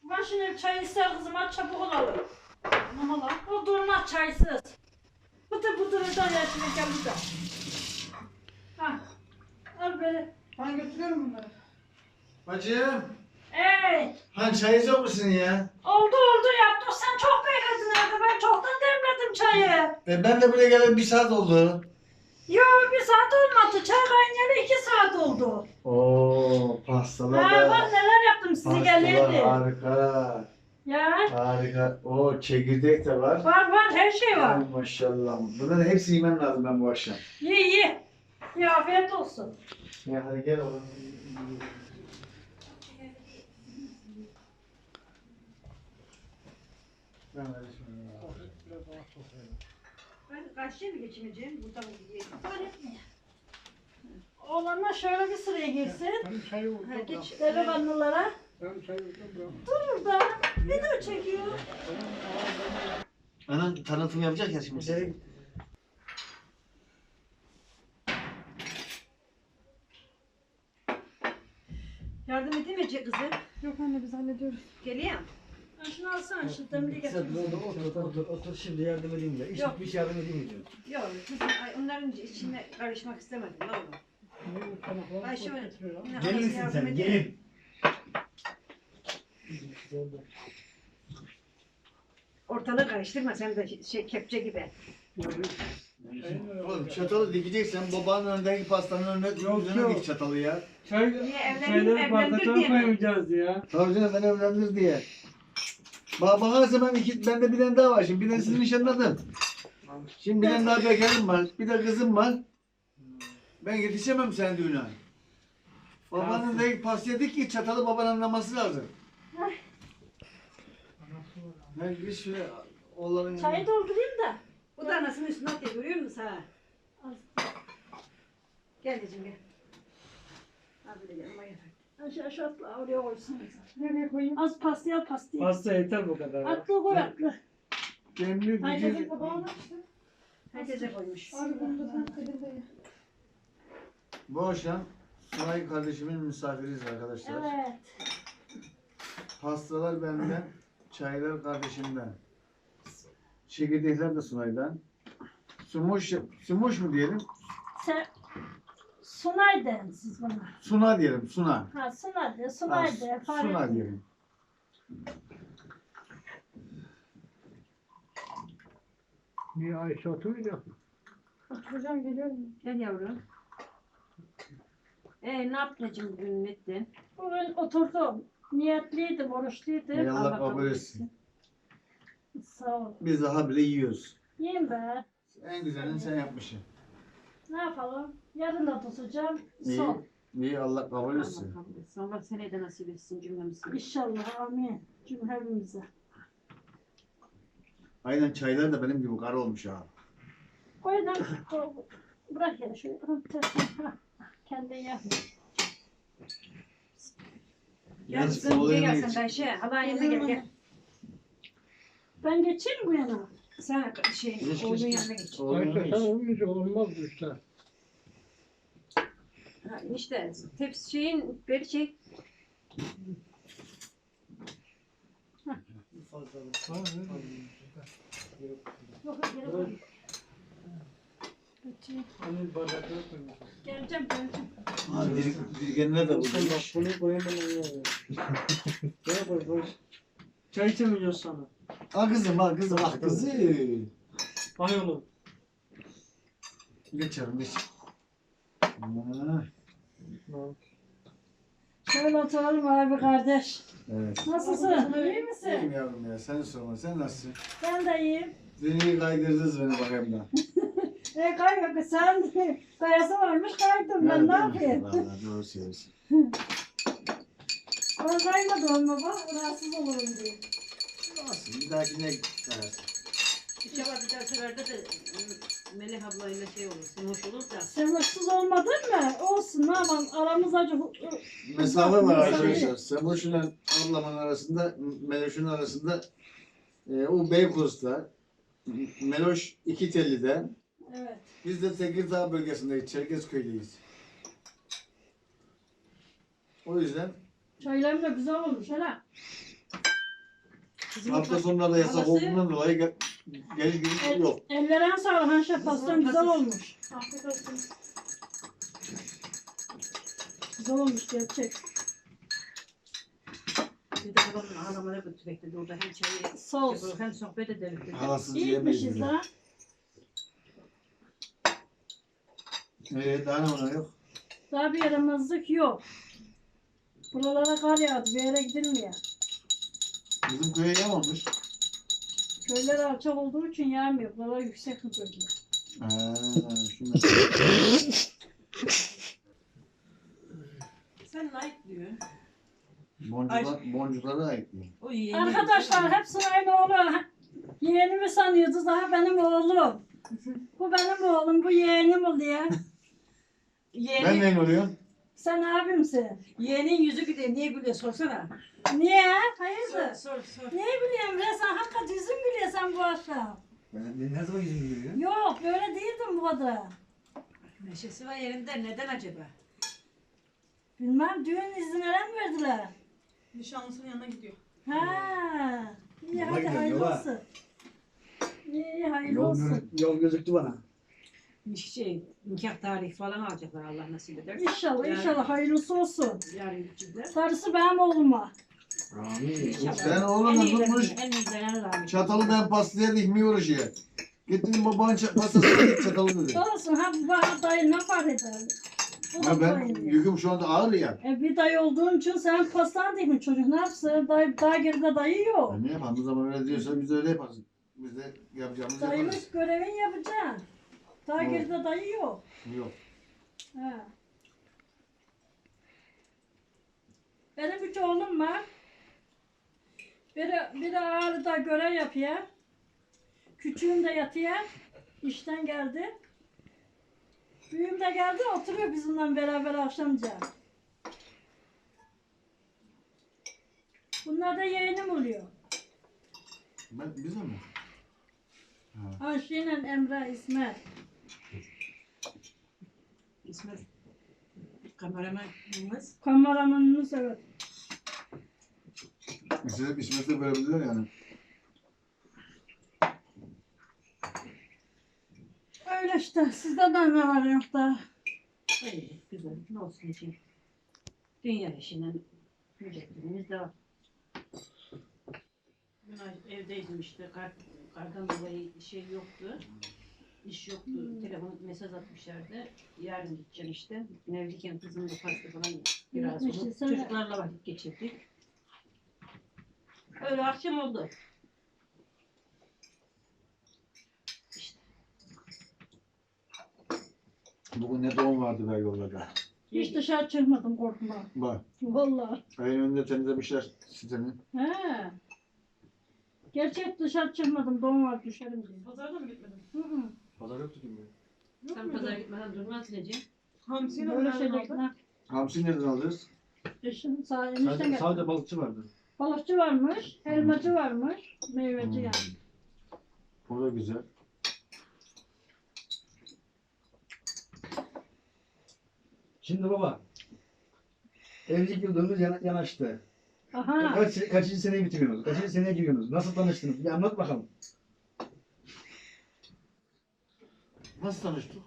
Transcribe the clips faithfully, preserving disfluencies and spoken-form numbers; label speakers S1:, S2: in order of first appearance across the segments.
S1: Ben şimdi çay ister kızım, aç çabuk olalım. Aman lan, o durmaz çaysız. Bıtır bıtır öden yaşını gel burada. Ha, al böyle.
S2: Ben götürüyorum bunları.
S3: Bacım.
S1: Ey,
S3: Ha çay içiyor musun ya?
S1: oldu oldu yaptın. Sen çok bekledin evde. Ben çoktan demledim çayı.
S3: E ben de buraya geleli bir saat oldu.
S1: Yo, bir saat olmadı. Çay kaynayalı iki saat oldu.
S3: Oo pastalar
S1: Ha,
S3: da.
S1: bak neler yaptım sizi
S3: Pastalar
S1: gelirdi.
S3: harika.
S1: Ya,
S3: Harika. O çekirdek de var.
S1: var var her şey var.
S3: Ay maşallah. Bunların hepsini yemem lazım ben bu akşam.
S1: Ye ye. Ya afiyet olsun.
S3: Ya hadi gel oğlum. Ben hadi şimdi.
S2: Ben karşıya mı geçmeyeceğim? Burada mı gideyim?
S1: Oğlanlar şöyle bir sıraya girsin.
S4: Ben çayı
S2: Ha,
S4: vurdum.
S2: geç.
S1: Delikanlılara.
S4: Ben çayı vurdum. bırak.
S1: Dur burada. Video çekiyor.
S3: Anan tanıtım yapacak ya şimdi.
S4: Nereye
S2: Yardım edeyim mi ce- kızım?
S5: Yok anne biz hallediyoruz.
S2: Geleyim.
S1: Ha, şunu alsana şu demliği
S6: Sen
S1: getir.
S6: otur, otur, otur, otur, şimdi yardım edeyim de. İş
S2: Yok.
S6: bitmiş yardım edeyim mi diyor.
S2: Yok kızım ay, onların içine karışmak istemedim. Ne olur.
S4: bu tanıkları
S2: Ay şöyle.
S4: getiriyor?
S2: Yine
S6: Gelin
S2: anası
S6: misin
S2: yardım
S6: sen?
S2: edeyim.
S6: Gelin.
S2: Ortalığı karıştırma sen de şey kepçe gibi.
S3: Oğlum çatalı dikeceksen babanın önündeki pastanın önüne
S4: Yok,
S3: üzerine
S4: yok.
S3: dik çatalı ya.
S4: Çay,
S2: Niye evlendim,
S4: çayları
S2: evlendir
S4: bardaklara
S2: diye mi?
S4: koymayacağız ya.
S3: Tabii canım ben evlendir diye. Bak bakarsa ben iki, bende bir tane daha var şimdi bir tane sizin nişanladım. Şimdi bir tane daha bekarım var, bir de kızım var. Ben yetişemem senin düğüne. Babanın da pastaya dik ki çatalı babanın anlaması lazım. Ben bir şöyle oğlanın
S1: Çayı doldurayım da.
S2: Bu da anasının üstüne atıyor görüyor musun ha? Gel diyeceğim gel. Ha böyle yanıma gel.
S1: Aşağı şu atla oraya koysun.
S5: Nereye koyayım?
S1: Az pastayı al pastayı.
S4: Pasta yeter bu kadar. ya.
S1: Atlı koy atlı.
S3: demli
S1: Herkesin
S3: gücü.
S1: babağını işte.
S2: Herkese koymuş.
S5: Abi bunu da sen elinde ye.
S3: Bu akşam Sunay kardeşimin misafiriyiz arkadaşlar.
S1: Evet.
S3: Pastalar benden, çaylar kardeşimden. Çekirdekler de Sunay'dan. Sumuş, sumuş mu diyelim?
S1: Sen Sunay deyin siz bana.
S3: Suna diyelim, Suna.
S1: Ha Sunay de,
S3: Ha,
S1: Sunay de. fark
S3: Suna
S1: etmiyor.
S3: diyelim.
S4: Bir Ayşe oturuyor.
S5: Oturacağım geliyorum.
S2: Gel yavrum. Ee ne yaptın bugün ne ettin?
S1: Bugün oturdum. Niyetliydim, oruçluydum.
S3: Ey Allah
S2: Allah
S3: kabul
S2: kabul
S3: etsin.
S1: Sağ ol.
S3: Biz daha bile yiyoruz.
S1: Yiyin be.
S3: En güzelini sen yapmışsın.
S1: Ne yapalım? Yarın da tutacağım.
S3: İyi,
S1: Son.
S3: iyi Allah kabul
S2: Allah
S3: etsin.
S2: kabul etsin. Allah seneye de nasip etsin cümlemize.
S1: İnşallah. Amin. Cümlemize.
S3: Aynen çaylar da benim gibi kara olmuş ha.
S1: Koy lan. koy. Bırak ya şöyle. Hı, ters- ha, Kendin yap.
S2: Gel
S3: Geç,
S2: kızım
S3: oğlu
S2: gel
S3: yemeğe
S2: sen
S3: geç.
S2: de Ayşe. Hala yanına gel gel.
S1: Ben geçeyim bu yana.
S2: Sen şey
S3: Geç,
S2: oğlun
S3: geç, geç.
S2: yanına geç.
S3: Oğlum
S4: Ayşe
S3: yemeğe
S4: sen
S3: geç.
S4: olmayınca olmaz bu işler.
S2: Ha, işte tepsi şeyin beri çek.
S1: Yok yok geri koy. Geçeyim.
S4: Hani bardaklara koymuş.
S1: Geleceğim geleceğim.
S3: Ha, dir, dirgenler de
S4: Sen bak
S3: bulmuş.
S4: bunu koyamam onu. Gel koy koy. Çay içemeyeceğiz sana.
S3: Ha kızım, ha kızım, ah kızım.
S4: Hay oğlum.
S3: Geç canım, geç. Ha,
S1: Şöyle oturalım abi kardeş.
S3: evet.
S1: Nasılsın? İyi
S3: İyiyim
S1: misin?
S3: yavrum ya, sen sorma, sen nasılsın?
S1: Ben de iyiyim.
S3: Beni kaydırdınız beni bakayım da.
S1: E kaymak sen kayası varmış kaydım ben ne yapayım?
S3: Vallahi doğru söylüyorsun.
S1: Ben kaymadım ama bak rahatsız olurum diye.
S3: Olsun, bir dahakine kayarsın.
S2: İnşallah bir daha seferde de ıı, Melih ablayla şey olur. Sen hoş olur da.
S1: Sen mutsuz olmadın mı? Olsun ne yapalım aramız acı.
S3: Mesafe var
S1: Mesafe.
S3: arkadaşlar. Seboş'la ablamın arasında, Meloş'un arasında e, o Beykoz'da, Meloş İkitelli'de,
S1: Evet.
S3: biz de Tekirdağ bölgesindeyiz, Çerkezköy'deyiz. O yüzden
S1: Çaylarım da güzel olmuş hele.
S2: Kızım
S3: Hafta sonları da yasak
S2: Halası-
S3: olduğundan dolayı gel, gel gel yok.
S1: Ellerine sağlık Hanşe pastan güzel
S2: Kızım-
S1: olmuş. Afiyet olsun. Güzel olmuş gerçek.
S2: Bir de babamın ağlamaya götürecek dedi. Orada hem çayı
S1: Sos.
S2: yapıyor, hem sohbet edelim dedi.
S3: Halasız yiyemeyiz.
S1: İyiymişiz
S3: bile.
S1: ha.
S3: Ee, daha ne var yok?
S1: Daha bir yaramazlık yok. Buralara kar yağdı. Bir yere gidilmiyor.
S3: Bizim köye yağmamış.
S1: Köyler alçak olduğu için yağmıyor. Buralar yüksek bir bölge.
S3: Ha, şimdi.
S2: Sen like diyor.
S3: Boncuklar, boncuklara ait mi?
S2: O yeğeni.
S1: Arkadaşlar hepsinin aynı oğlu. Yeğenimi sanıyordu. Daha benim oğlum. Bu benim oğlum. Bu yeğenim oluyor.
S2: Yeğeni,
S3: Ben neyin oluyorum?
S1: Sen abimsin.
S2: yeğenin yüzü gülüyor. Niye gülüyor sorsana.
S1: Niye?
S2: Sor
S1: Hayırdır?
S2: sor sor.
S1: Niye biliyorsun be? Sen hakikaten yüzün biliyor sen bu akşam.
S6: Ben ne, ne zaman yüzüm gülüyor?
S1: Yok böyle değildin bu kadar.
S2: Neşesi var yerinde. Neden acaba?
S1: Bilmem düğün izni neren verdiler?
S5: Nişanlısının yanına gidiyor.
S1: Ha. İyi
S6: Yola
S1: hadi
S6: gidiyorum,
S1: hayırlı
S6: yola.
S1: olsun. İyi hayırlı
S6: Yol,
S1: olsun.
S6: gözük, yol gözüktü bana.
S2: Şey, nikah tarihi falan alacaklar Allah nasip eder.
S1: İnşallah
S2: Yani-
S1: inşallah hayırlısı olsun.
S2: Yarın gidecekler.
S1: Darısı benim oğluma.
S6: Amin.
S2: İnşallah.
S3: Sen oğlum
S2: En iyilerini,
S3: tutmuş.
S2: En iyilerini rağmen.
S3: Çatalı ben pastaya dikmiyor oraya. Gittim babanın ça- pastasına git çatalı dedi.
S1: Olsun ha bu bana dayı ne fark eder? Bu da
S3: Ya ben
S1: dayı.
S3: yüküm şu anda ağır ya.
S1: E bir dayı olduğun için sen pastan değil mi çocuk ne yapsın? Dayı, daha geride dayı yok.
S3: Ya ne yapalım o zaman öyle diyorsa biz de öyle yaparız. Biz de yapacağımızı yaparız.
S1: Dayılık görevin yapacaksın. Daha
S3: Evet.
S1: geride dayı yok.
S3: Yok.
S1: He. Benim üç oğlum var. Biri, biri Ağrı'da görev yapıyor. Küçüğüm de yatıyor. İşten geldi. Büyüğüm de geldi oturuyor bizimle beraber akşamca. Bunlar da yeğenim oluyor.
S3: Ben, bize mi?
S1: Ayşe ile Emre, İsmet.
S2: İsmet kameramanımız.
S1: Kameramanımız evet.
S3: İsmet, İsmet de böyle biliyor yani.
S1: Öyle işte. Sizde de ne var yok da.
S2: Hayır, güzel. Ne olsun için. Dünya işinden mücadelemiz devam. Dün evdeydim işte. Kar, kardan dolayı şey yoktu. İş yoktu. Telefon mesaj atmışlardı. Yarın gideceğim işte. Evliyken kızımla pasta falan biraz
S1: Gitmişsin
S2: olup
S1: sen.
S2: çocuklarla vakit geçirdik. Öyle akşam oldu. İşte.
S3: Bugün ne doğum vardı be yollarda.
S1: Hiç dışarı çıkmadım korkma.
S3: Bak,
S1: Vallahi.
S3: ayın önünde temizlemişler sitenin.
S1: He. Gerçek dışarı çıkmadım. Doğum var düşerim diye.
S5: Pazara da mı gitmedin?
S1: Hı hı.
S6: Pazar yoktu ki mi?
S1: Yok
S2: Sen
S1: mu?
S2: pazara gitmeden durmaz Necim.
S5: Hamsiyle
S1: Böyle
S5: nereden
S1: şeyler.
S5: aldın?
S1: Ha.
S3: Hamsi nereden alırız?
S1: Eşim sağ enişten
S6: Sadece,
S1: geldi.
S6: sadece balıkçı vardı.
S1: Balıkçı varmış, elmacı varmış, meyveci
S3: Hmm.
S1: yani.
S3: O da güzel.
S6: Şimdi baba. Evlilik yıldönümüz yana, yanaştı.
S1: Aha.
S6: Kaç, kaçıncı seneyi bitiriyorsunuz? Kaçıncı seneye giriyorsunuz? Nasıl tanıştınız? Bir anlat bakalım.
S3: Nasıl tanıştık?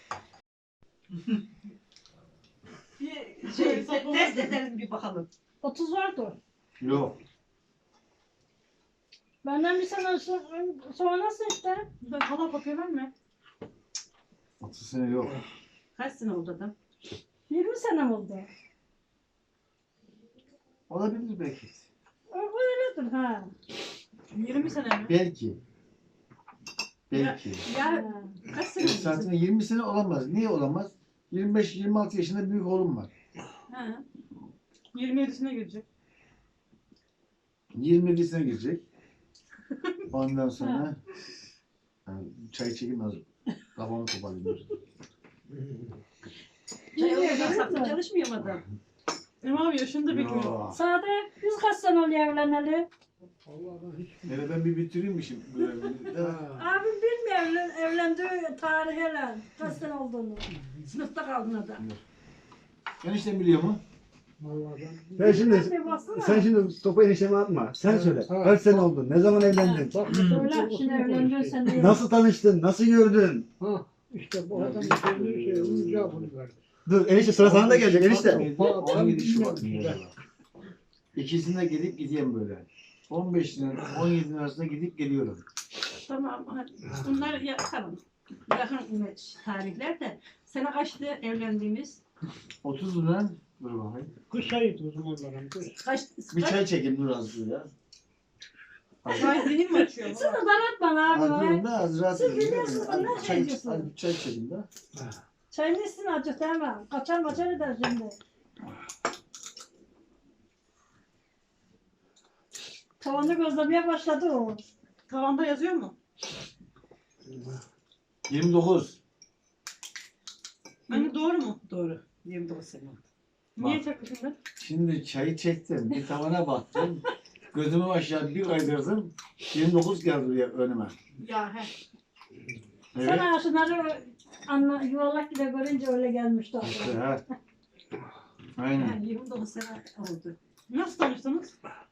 S2: Bir şey, test edelim bir bakalım.
S1: otuz vardı.
S3: Yok.
S1: Benden bir sene so- sonrası işte.
S5: Ben hala kopya verme.
S3: otuz sene yok.
S2: Kaç sene oldu adam?
S1: yirmi sene oldu.
S3: Olabilir belki.
S1: O öyledir ha.
S5: yirmi sene mi?
S3: Belki. Belki.
S2: Ya
S1: Ha.
S2: kaç sene oldu?
S3: Zaten yirmi sene olamaz. Niye olamaz? yirmi beş yirmi altı yaşında büyük oğlum var.
S2: Ha.
S5: yirmi yedisine girecek.
S3: yirmi yedisine girecek. Ondan sonra yani çay çekim az. Kafamı toparlayayım.
S2: Çay
S1: Yirmi
S2: olmadan
S1: yedi
S2: saklı
S1: mi?
S2: çalışmıyor mu adam?
S5: Emre abi yaşında bir gün.
S3: Yo.
S1: Sade biz kaç sene oluyor evleneli?
S6: Allah'ım hiç.
S3: Yani ben bir bitireyim mi şimdi? Böyle?
S1: Abim bilmiyor evlen, evlendiği tariheler. Kaç sene olduğunu.
S2: Sınıfta kaldın adam.
S3: Enişten biliyor mu?
S4: Vallahi ben.
S6: Sen şimdi,
S1: Bir baksana.
S6: sen şimdi topu enişteme atma. Sen
S4: Evet,
S6: söyle.
S4: evet.
S6: Kaç sene oldu? Ne zaman evlendin?
S4: Bak,
S1: Söyle şimdi evlendin sen de.
S6: Nasıl tanıştın? Nasıl gördün?
S4: Ha, işte bu adam söylediği şey, onun cevabını verdi.
S6: Dur enişte sıra sana da gelecek enişte.
S3: on yedi Şubat günü. İkisine gidip gideyim böyle. on beşinden on yedinin arasında gidip geliyorum.
S2: Tamam. hadi. Bunlar ya, tamam. Yakın tarihler de. Sene kaçtı evlendiğimiz?
S3: otuz liradan dur bakayım.
S4: Kış ayıydı o zamanların. Kış.
S2: Kaç?
S3: Bir
S2: kaç-
S3: çay çekeyim dur az dur ya.
S5: Çay zihin mi açıyor?
S1: Sana daratma
S3: Az
S1: abi.
S3: durun da az rahat
S1: Siz
S3: edin.
S1: biliyorsunuz,
S3: Az
S1: ne
S3: çay,
S1: diyorsun?
S3: az bir çay çekeyim de.
S1: Çayını içsin acık değil mi? Kaçar maçar eder şimdi. Tavanı gözlemeye başladı o.
S5: Tavanda yazıyor mu?
S3: yirmi dokuz.
S5: Anne doğru mu?
S2: Doğru. yirmi dokuz sene.
S5: Niye çakı şimdi?
S3: Şimdi çayı çektim. Bir tavana baktım. Gözümü aşağı bir kaydırdım. yirmi dokuz geldi buraya önüme.
S5: Ya he.
S3: Evet.
S1: Sana şunları anla, yuvarlak gibi görünce öyle gelmişti
S3: İşte
S1: aklıma.
S3: ha. Aynen.
S2: Yani yirmi dokuz sene oldu.
S5: Nasıl tanıştınız?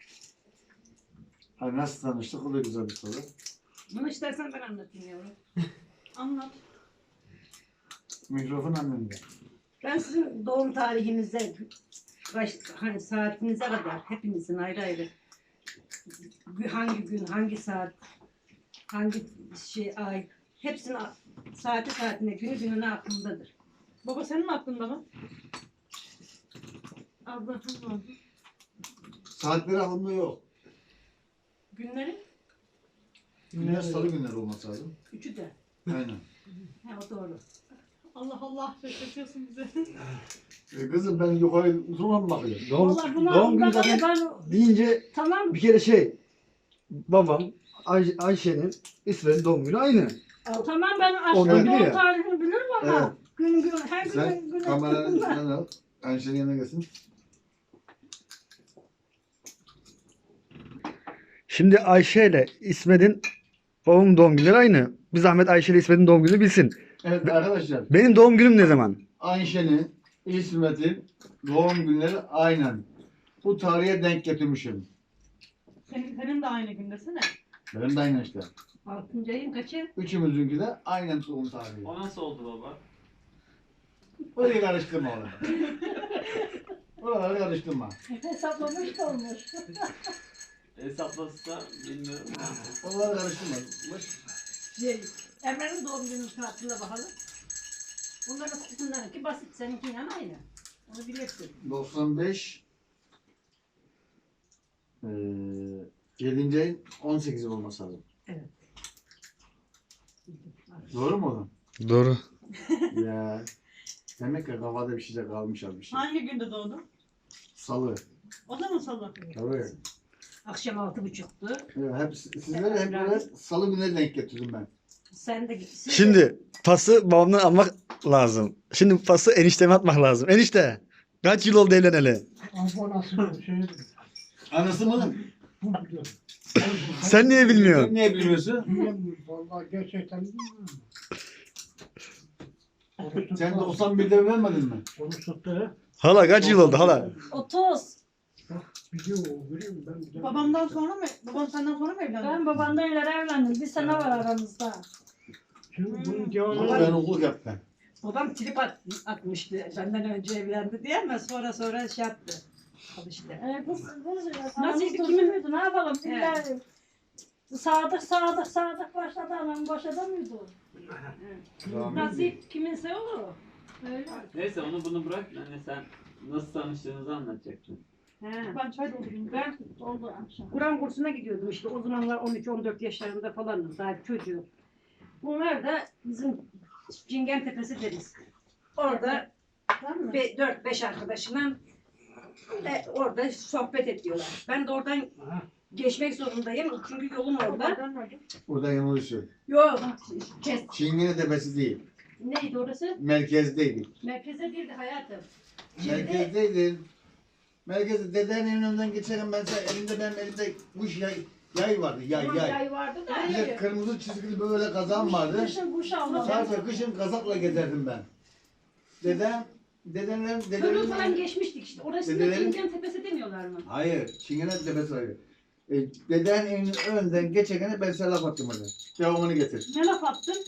S3: Ha, nasıl tanıştık? O da güzel bir soru.
S2: Bunu istersen ben anlatayım yavrum.
S5: Anlat.
S3: Mikrofon annemde.
S2: Ben sizin doğum tarihinize, kaç, hani saatinize kadar hepinizin ayrı ayrı hangi gün, hangi saat, hangi şey ay, hepsinin a- saati saatine, günü gününe aklımdadır.
S5: Baba senin aklında mı? Abla tamam.
S3: Saatleri aklımda yok.
S2: Günleri
S3: Günler salı günleri olması lazım.
S2: üçü de.
S3: Aynen.
S2: He o doğru.
S5: Allah Allah şaşırtıyorsun bizi.
S3: E kızım ben yukarı uzun mu bakıyorum?
S6: Doğum,
S1: Vallahi bunu
S6: doğum günü
S1: aklımda
S6: zaten
S1: kaldı, ben
S6: deyince
S1: tamam.
S6: bir kere şey babam Ay Ayşe'nin İsveç'in doğum günü aynı.
S1: Tamam ben
S6: Oradan
S1: aslında
S6: biliyor
S1: doğum
S6: ya.
S1: tarihini bilirim ama
S3: Evet.
S1: gün gün her gün
S3: Sen
S1: gün
S3: kameranın
S1: gün
S3: üstünden al. Ayşe'nin yanına gelsin.
S6: Şimdi Ayşe ile İsmet'in babamın doğum günleri aynı. Bir zahmet Ayşe ile İsmet'in doğum günü bilsin.
S3: Evet arkadaşlar.
S6: Benim doğum günüm ne zaman?
S3: Ayşe'nin, İsmet'in doğum günleri aynen. Bu tarihe denk getirmişim.
S5: Senin, senin de aynı gündesene.
S3: Benim de aynen işte.
S2: Altıncı ayın kaçı?
S3: Üçümüzünki de aynen doğum tarihi.
S7: O nasıl oldu baba?
S3: Orayı karıştırma oğlum. Oraları karıştırma.
S1: hesaplamış da olmuş.
S7: Hesaplasa bilmiyorum.
S3: Oraları karıştırma.
S2: Şey, Emre'nin doğum günü saatine bakalım. Bunların kısımlarınki basit, seninki ama aynı. Onu bilirsin.
S3: doksan beş eee yedinci ayın on sekizi olması lazım.
S2: Evet.
S3: Doğru mu oğlum?
S6: Doğru.
S3: Ya. Demek ki kafada bir şey de kalmış az bir şey.
S5: Hangi günde doğdun?
S3: Salı.
S5: O da mı salı?
S3: Tabii.
S2: Akşam altı buçuktu.
S3: Ya, hep sizlere hep böyle salı günleri denk getirdim ben.
S2: Sen de gitsin.
S6: Şimdi pası babamdan almak lazım. Şimdi pası enişteme atmak lazım. Enişte kaç yıl oldu evleneli?
S4: Abonası şey.
S3: Anası mı?
S4: Bu biliyor.
S6: Sen niye bilmiyorsun?
S3: Sen niye bilmiyorsun?
S4: Bilmiyorum. Vallahi gerçekten bilmiyorum. Onu
S3: Sen
S4: tuttu.
S3: doksan birde evlenmedin mi?
S4: Onu tuttu.
S6: Hala kaç yıl oldu hala?
S1: otuz.
S4: Biliyor o biliyor musun? Ben biliyorum.
S5: Babamdan sonra mı? Babam senden sonra mı evlendi?
S1: Ben babamdan ileri evlendim. Bir sene var aramızda.
S4: Şimdi bunun
S3: Ama
S4: cevabı
S3: ben okuluk yaptım.
S2: Babam trip at, atmıştı. Benden önce evlendi diye ama sonra sonra şey yaptı. Al işte.
S1: E, kız, kız,
S2: Nasıl
S1: Nasıl
S2: kimin-
S1: kimin? Ne yapalım?
S2: Evet.
S1: İlla sadık sadık sadık başladı anam başladı mıydı?
S2: Nasip kiminse olur.
S1: Öyle.
S7: Neyse onu bunu bırak. Hani sen nasıl tanıştığınızı anlatacaktın.
S2: He.
S5: Ben çay doldurayım.
S2: Ben
S1: Oldu akşam.
S2: Kur'an kursuna gidiyordum işte. O zamanlar on üç on dört yaşlarında falanım. Daha çocuğum. Bunlar da bizim Cingen Tepesi deriz. Orada
S5: Tamam mı?
S2: dört beş arkadaşımla e, orada sohbet ediyorlar. Ben de oradan geçmek zorundayım. Çünkü yolum orada.
S5: Oradan nerede?
S3: Buradan yanılıyorsun.
S2: Yok. Kes.
S3: Çingene tepesi değil.
S2: Neydi orası?
S3: Merkezdeydik.
S2: Merkeze değildi hayatım. Şimdi
S3: Merkezdeydin. Merkezde dedenin evinin önünden geçerim ben sana elimde benim elimde kuş yay, yay vardı yay
S2: tamam,
S3: yay.
S2: yay vardı da.
S3: Bir de kırmızı çizgili böyle kazan vardı.
S1: Kışın kuş almadı.
S3: Sadece kışın kazakla gezerdim ben. Dedem Dedenler,
S2: Körü
S3: dedelerin...
S2: falan geçmiştik işte. Orası da
S3: Dedelerin-
S2: Çingen Tepesi demiyorlar mı?
S3: Hayır, Çingene tepesi hayır. E, deden evinin önünden geçerken ben sana laf attım hadi. Devamını getir.
S2: Ne laf attın?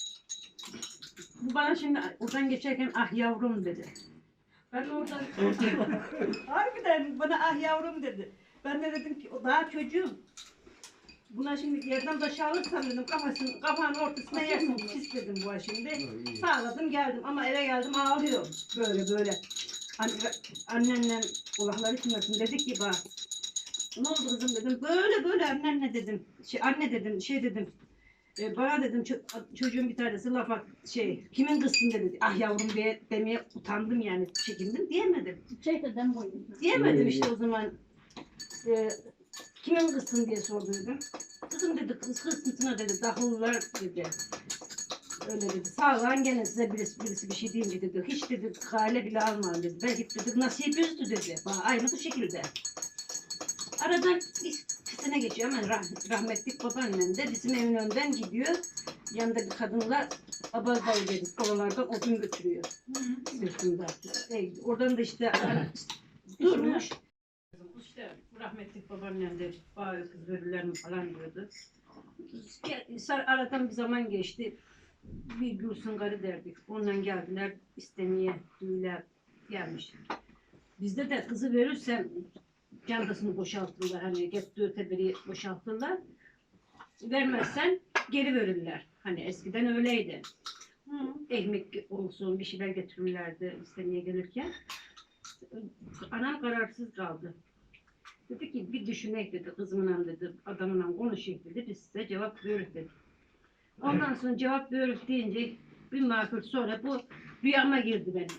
S2: Bu bana şimdi oradan geçerken ah yavrum dedi. Ben oradan harbiden bana ah yavrum dedi. Ben de dedim ki o daha çocuğum. Buna şimdi yerden taş alırsam dedim kafasını, kapağın ortasına yersin pis dedim bu şimdi. Sağladım geldim ama eve geldim ağlıyor. Böyle böyle. Anne, annenle kulakları çınlasın dedi ki bak. Ne oldu kızım dedim. Böyle böyle annenle dedim. Şey, anne dedim şey dedim. E, bana dedim ço- çocuğun bir tanesi lafa şey kimin kızsın dedi. Ah yavrum diye demeye utandım yani çekindim diyemedim.
S1: Şey dedem boyunda.
S2: Diyemedim işte o zaman. E, kimin kızsın diye sordu dedim. Kızım dedi kız kızsın dedi dahullar dedi. Öyle dedi. Sağ olun gene size birisi, birisi bir şey deyince dedi. Hiç dedi kale bile almayın dedi. Belki dedi nasip üzdü dedi. Bana aynı bu şekilde. Aradan bir sene geçiyor hemen rah rahmetlik babaannem de bizim evin önden gidiyor. Yanında bir kadınla abaz dayı dedik. Oralardan odun götürüyor. Sırtında. E, oradan da işte durmuş. İşte rahmetlik babaannem de bazı kız verirlerini falan diyordu. Sar aradan bir zaman geçti. Bir Gülsün karı derdik. Ondan geldiler istemeye düğüler gelmiş. Bizde de kızı verirsen çantasını boşaltırlar. Hani gettiği teberi boşaltırlar. Vermezsen geri verirler. Hani eskiden öyleydi. Hı. Ekmek olsun bir şeyler getirirlerdi istemeye gelirken. Anam kararsız kaldı. Dedi ki bir düşünek dedi kızımla dedi adamla konuşayım dedi biz size cevap veririz dedi. Ondan sonra cevap veririz deyince bir makul sonra bu rüyama girdi benim.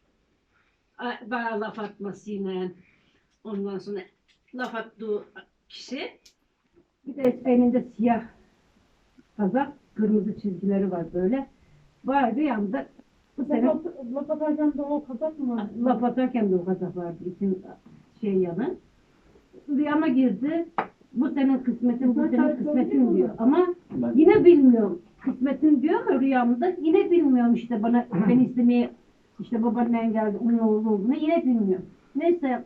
S2: A- Bana laf atmasıyla ondan sonra laf attığı kişi bir de elinde siyah kazak kırmızı çizgileri var böyle. Var rüyamda bu sene
S1: Laf atarken de o kazak mı var?
S2: laf atarken de o kazak vardı için şey yanı. Rüyama girdi. Bu senin kısmetin, bu senin kısmetin diyor. Ama yine bilmiyorum. Kısmetin diyor ama rüyamda yine bilmiyorum işte bana beni istemeye işte babaannem geldi onun oğlu olduğunu yine bilmiyorum. Neyse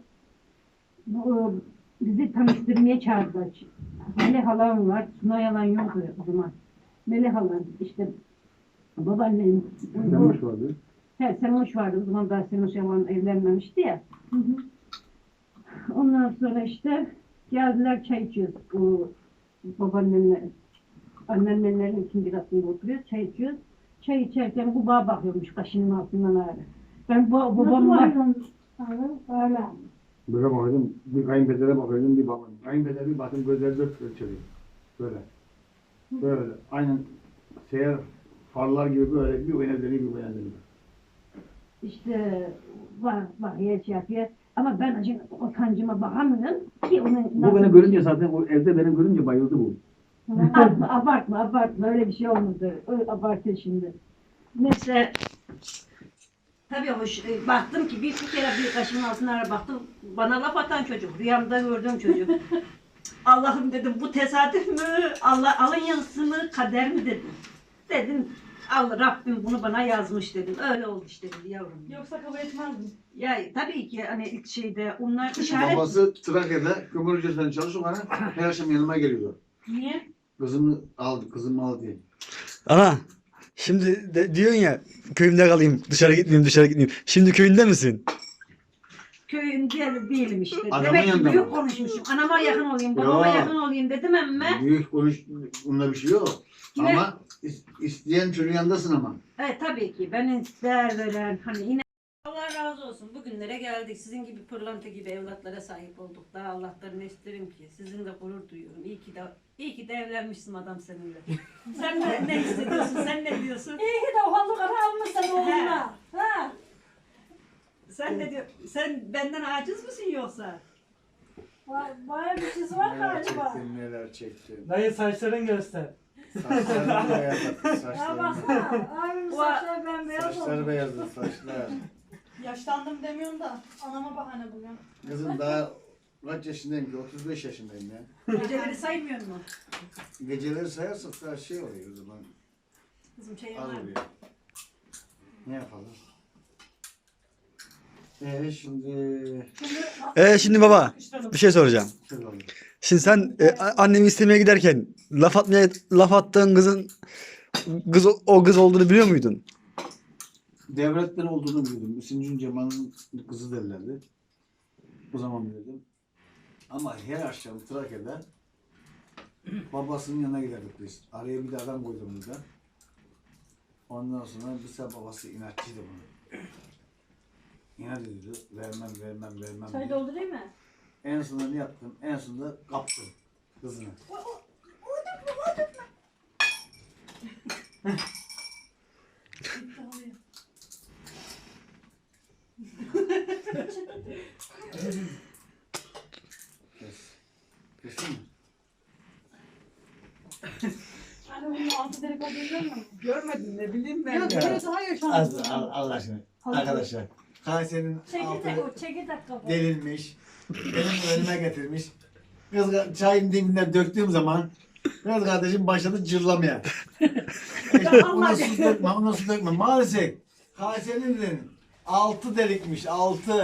S2: bu, bizi tanıştırmaya çağırdılar. Melih halam var. Suna yalan yoktu o zaman. Melih halam işte babaannem.
S3: Semuş vardı.
S2: He Semuş vardı. O zaman daha Semuş yalan evlenmemişti ya. Hı hı. Ondan sonra işte geldiler çay içiyoruz. O babaannemle, anneannemlerin ikinci katında oturuyoruz. Çay içiyoruz. Çay içerken bu bağa bakıyormuş kaşının altından ağrı. Ben bu babamla... Öyle.
S3: Böyle bakıyordum, bir kayınpedere bakıyordum, bir babam. Kayınpeder bir baktım gözleri dört ölçülüyor. Böyle. Böyle. Aynen seyyar farlar gibi böyle bir oyuna dönüyor, bir oyuna dönüyor.
S2: İşte var, var yer şey yapıyor. Ama ben acı o kancıma bakamıyorum ki onun...
S3: Bu beni görünce zaten, o evde beni görünce bayıldı bu.
S2: abartma, abartma, abartma. Öyle bir şey olmadı. Öyle abartıyor şimdi. Neyse. Tabii hoş. e, Baktım ki bir, bir kere bir kaşımın altına baktım. Bana laf atan çocuk. Rüyamda gördüğüm çocuk. Allah'ım dedim bu tesadüf mü? Allah alın yazısı mı? Kader mi dedim. Dedim Allah Rabbim bunu bana yazmış dedim. Öyle oldu işte dedi yavrum.
S5: Yoksa kabul etmezdim.
S2: Ya tabii ki hani ilk şeyde onlar işaret...
S3: Babası Trakya'da kömür ücretinden çalışıyor bana. Her akşam yanıma geliyor.
S5: Niye?
S3: Kızımı aldı, kızımı al diye.
S6: Ana şimdi de diyorsun ya köyümde kalayım dışarı gitmeyeyim dışarı gitmeyeyim. Şimdi köyünde misin?
S2: Köyün diğer değilim işte.
S3: Adamın
S2: Demek ki
S3: yanında
S2: büyük
S3: mı?
S2: konuşmuşum. Anama yakın olayım, babama
S3: Yo.
S2: yakın olayım dedim emme.
S3: Büyük konuş, bunda bir şey yok.
S2: Yine-
S3: Ama is- isteyen çocuğun yanındasın ama.
S2: Evet tabii ki. Ben ister veren hani yine Allah razı olsun. Bugünlere geldik. Sizin gibi pırlanta gibi evlatlara sahip olduk. Daha Allah'tan isterim ki. Sizinle gurur duyuyorum. İyi ki de iyi ki de evlenmişsin adam seninle. Sen de ne hissediyorsun? Sen ne diyorsun?
S1: İyi ki de o halı karı almışsın oğluna. Ha.
S2: Sen ne diyor? Sen benden aciz misin yoksa?
S1: Ba- Bayağı bir çiz var galiba.
S3: neler çektin.
S4: Dayı saçların göster.
S3: Saçlarını beyaz
S1: Ya
S3: saçlarını.
S1: baksana. Abimin
S2: Bu-
S1: saçları bembeyaz
S3: Saçları
S1: oldu.
S3: beyazdı, saçlar.
S5: Yaşlandım demiyorsun da anama bahane buluyorsun.
S3: Kızım daha kaç yaşındayım ki? otuz beş yaşındayım ya.
S2: Geceleri saymıyor mu?
S3: Geceleri sayarsak daha şey oluyor o zaman.
S2: Kızım çayın
S3: Az
S2: var mı?
S3: oluyor. Ne yapalım? Ee şimdi...
S6: Ee şimdi baba bir şey soracağım. Şimdi sen e, a- annemi istemeye giderken laf atmaya laf attığın kızın kız o- o kız olduğunu biliyor muydun?
S3: Devletten olduğunu biliyordum. Hüseyin Cemal'ın kızı derlerdi. O zaman biliyordum. Ama her akşam Trakya'da babasının yanına giderdik biz. Araya bir de adam koydum burada. Ondan sonra bir sefer babası inatçıydı bunu. İnat ediyordu. Vermem, vermem, vermem
S1: Çay
S3: diye.
S1: doldurayım mı?
S3: En sonunda ne yaptım? En sonunda kaptım kızını. Kes. Kesin mi?
S1: Hani bunun altı delik olduğunu görmüyor musun?
S2: Görmedin ne bileyim ben.
S5: Yok
S2: ya.
S5: böyle daha yaşandı.
S3: Az, al- Allah aşkına. Arkadaşlar. Kayseri'nin
S1: Çekirdek
S3: altı
S1: o çekirdek kapağı.
S3: delinmiş. Benim önüme getirmiş. Kız çayın dibinden döktüğüm zaman kız kardeşim başladı cırlamaya. İşte ona su dökme, ona su dökme. Maalesef Kayseri'nin altı delikmiş, altı.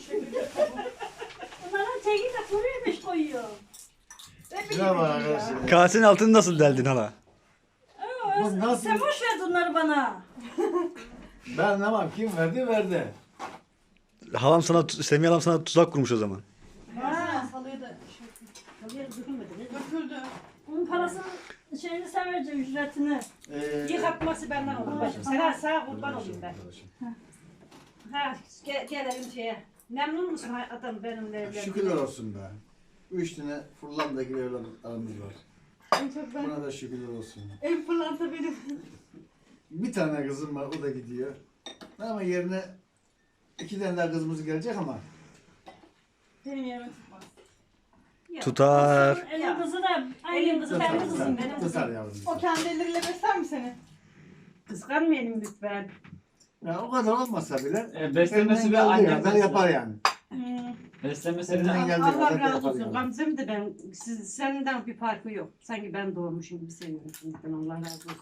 S1: Bunların çekirdek kuruyormuş koyuyor.
S3: Şuna bak arkadaşlar.
S6: Kasenin altını nasıl deldin hala?
S3: Bu nasıl?
S1: Sen boş ver bunları bana.
S3: Ben anlamam. Kim verdi verdi.
S6: Halam sana, Semih halam sana tuzak kurmuş o zaman.
S5: Ha. Salıydı. Döküldü.
S1: Bunun parasını şeyini sen vereceksin ücretini.
S3: Ee,
S2: Yıkatması benden olur bacım. Sana sağ kurban olayım ben. Ha ge gelelim şeye. Memnun musun ha- adam benimle evlendiğine?
S3: Şükürler olsun be. Üç tane Fırlanda'daki evlatlarımız var.
S5: En çok ben.
S3: Buna da şükürler olsun.
S5: En fırlanta benim.
S3: Bir tane kızım var, o da gidiyor. Ama yerine iki tane daha kızımız gelecek ama
S5: Benim yerime tutmaz.
S6: Tutar.
S1: Elin kızı da aynı kızı kendi
S3: tutar,
S1: kızım
S3: tutar,
S1: benim
S3: tutar
S1: kızım.
S3: yavrum.
S5: O kendi elleriyle besler mi seni?
S2: Kıskanmayalım lütfen.
S3: Ya o kadar olmasa bile
S7: E, beslemesi
S3: elinden
S7: bir
S3: geldiği
S7: anne
S3: kadar yapar yani.
S2: Hmm.
S7: Beslemesi bir
S3: Elinden
S7: anne.
S3: geldiği
S2: Allah
S3: kadar
S2: razı
S3: yapar
S2: olsun.
S3: yani.
S2: Gamze'm de ben siz, senden bir farkı yok. Sanki ben doğmuşum gibi seviyorum şimdiden. Allah razı olsun.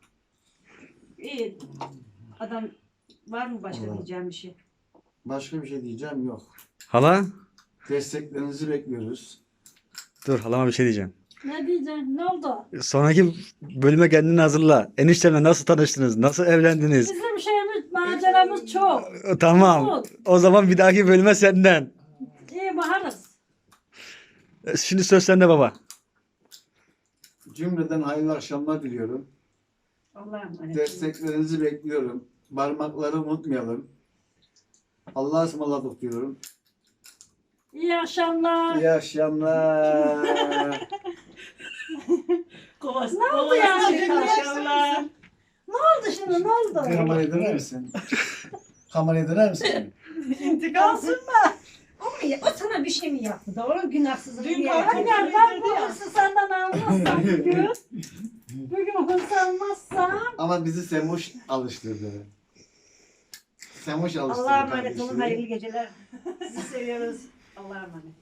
S2: İyi. Adam var mı başka
S3: Allah.
S2: diyeceğim bir şey?
S3: Başka bir şey diyeceğim yok.
S6: Hala?
S3: Desteklerinizi bekliyoruz.
S6: Dur halama bir şey diyeceğim.
S1: Ne diyeceksin? Ne oldu?
S6: Sonraki bölüme kendini hazırla. Eniştemle nasıl tanıştınız? Nasıl evlendiniz?
S1: Bizim şeyimiz, maceramız çok.
S6: Tamam. O zaman bir dahaki bölüme senden.
S1: İyi bakarız.
S6: Şimdi söz sende baba.
S3: Cümleden hayırlı akşamlar diliyorum.
S2: Allah'a emanet olun.
S3: Desteklerinizi bekliyorum. Parmakları unutmayalım. Allah'a ısmarladık diyorum.
S1: İyi akşamlar.
S3: İyi akşamlar.
S2: Kovası,
S1: Ne oldu ya?
S2: Maşallah.
S1: Ne oldu şimdi? Ne oldu?
S3: Kameraya döner misin? Kameraya döner misin?
S2: İntikamsın mı? O, mu ya- o sana bir şey mi yaptı da onun günahsızlığı
S5: Dün
S2: niye
S5: kavga
S2: yaptı?
S1: Hayır ben bu hırsı senden almazsam bugün. Bugün hırs almazsam.
S3: Ama bizi Semuş alıştırdı. Semuş alıştırdı
S2: Allah'a emanet olun.
S3: kardeşleri.
S2: Hayırlı geceler. Sizi seviyoruz. Allah'a emanet.